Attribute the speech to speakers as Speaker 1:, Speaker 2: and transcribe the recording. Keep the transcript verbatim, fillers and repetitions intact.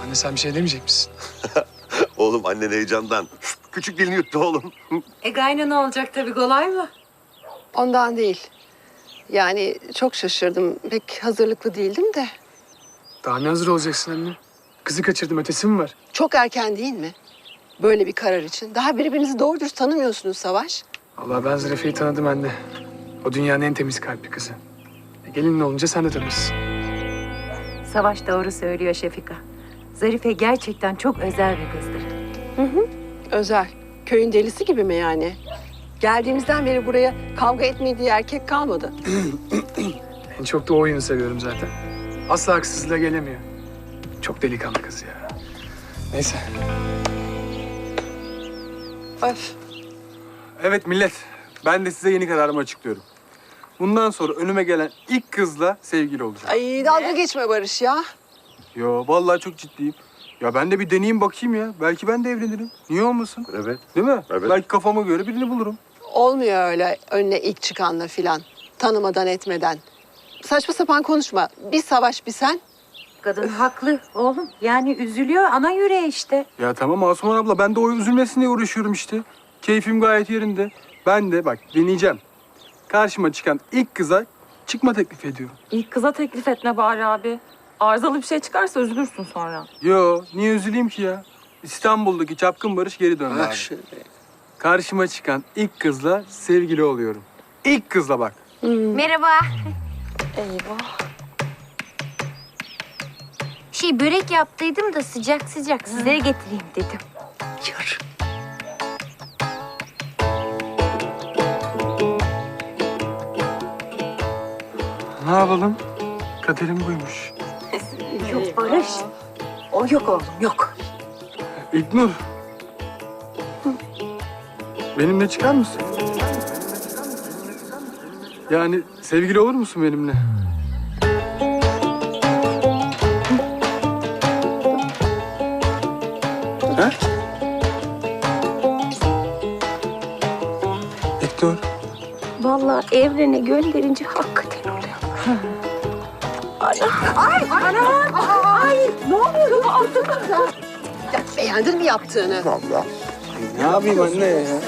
Speaker 1: Anne sen bir şey demeyecek misin?
Speaker 2: Oğlum annen heyecandan. Küçük dilini yuttu oğlum.
Speaker 3: E gaynı ne olacak tabii, kolay mı?
Speaker 4: Ondan değil. Yani çok şaşırdım. Pek hazırlıklı değildim de.
Speaker 1: Daha ne hazır olacaksın anne? Kızı kaçırdım, ötesi mi var?
Speaker 4: Çok erken değil mi? Böyle bir karar için. Daha birbirinizi doğru dürüst tanımıyorsunuz Savaş.
Speaker 1: Vallahi ben Zarife'yi tanıdım anne. O dünyanın en temiz kalpli kızı. E, gelinin olunca sen de tanırsın.
Speaker 3: Savaş doğru söylüyor Şefika. Zarife gerçekten çok özel bir kızdır.
Speaker 4: Özel. Köyün delisi gibi mi yani? Geldiğimizden beri buraya kavga etmediği erkek kalmadı.
Speaker 1: En çok da o oyunu seviyorum zaten. Asla haksızlığa gelemiyor. Çok delikanlı kız ya. Neyse.
Speaker 4: Öf.
Speaker 5: Evet millet, ben de size yeni kararımı açıklıyorum. Bundan sonra önüme gelen ilk kızla sevgili olacağım.
Speaker 4: Ay dalga geçme Barış ya.
Speaker 5: Yo, vallahi çok ciddiyim. Ya ben de bir deneyeyim bakayım ya. Belki ben de evlenirim. Niye olmasın?
Speaker 2: Evet.
Speaker 5: Değil mi?
Speaker 2: Evet.
Speaker 5: Belki kafama göre birini bulurum.
Speaker 4: Olmuyor öyle önüne ilk çıkanla filan. Tanımadan etmeden. Saçma sapan konuşma. Bir Savaş bir sen.
Speaker 3: Kadın haklı oğlum. Yani üzülüyor, ana yüreği işte.
Speaker 5: Ya tamam Asuman abla, ben de o üzülmesin diye uğraşıyorum işte. Keyfim gayet yerinde. Ben de bak deneyeceğim. Karşıma çıkan ilk kıza çıkma teklif ediyorum.
Speaker 6: İlk kıza teklif etme bari abi. Arızalı bir şey çıkarsa üzülürsün sonra.
Speaker 5: Yo, niye üzüleyim ki ya? İstanbul'daki çapkın Barış geri döndü abi. Karşıma çıkan ilk kızla sevgili oluyorum. İlk kızla bak.
Speaker 7: Merhaba.
Speaker 6: Eyvah.
Speaker 7: Şey börek yaptıydım da sıcak sıcak sizlere getireyim dedim.
Speaker 3: Yürü.
Speaker 5: Ne yapalım? Kaderim buymuş.
Speaker 3: Yok Barış. O yok oğlum, yok.
Speaker 5: İlknur. Benimle çıkar mısın? Yani sevgili olur musun benimle? Ha? İlknur.
Speaker 7: Vallahi evrene gönderince hakikaten oluyor.
Speaker 4: Ya, beğendin mi yaptığını?
Speaker 5: Ne yapayım anne ya?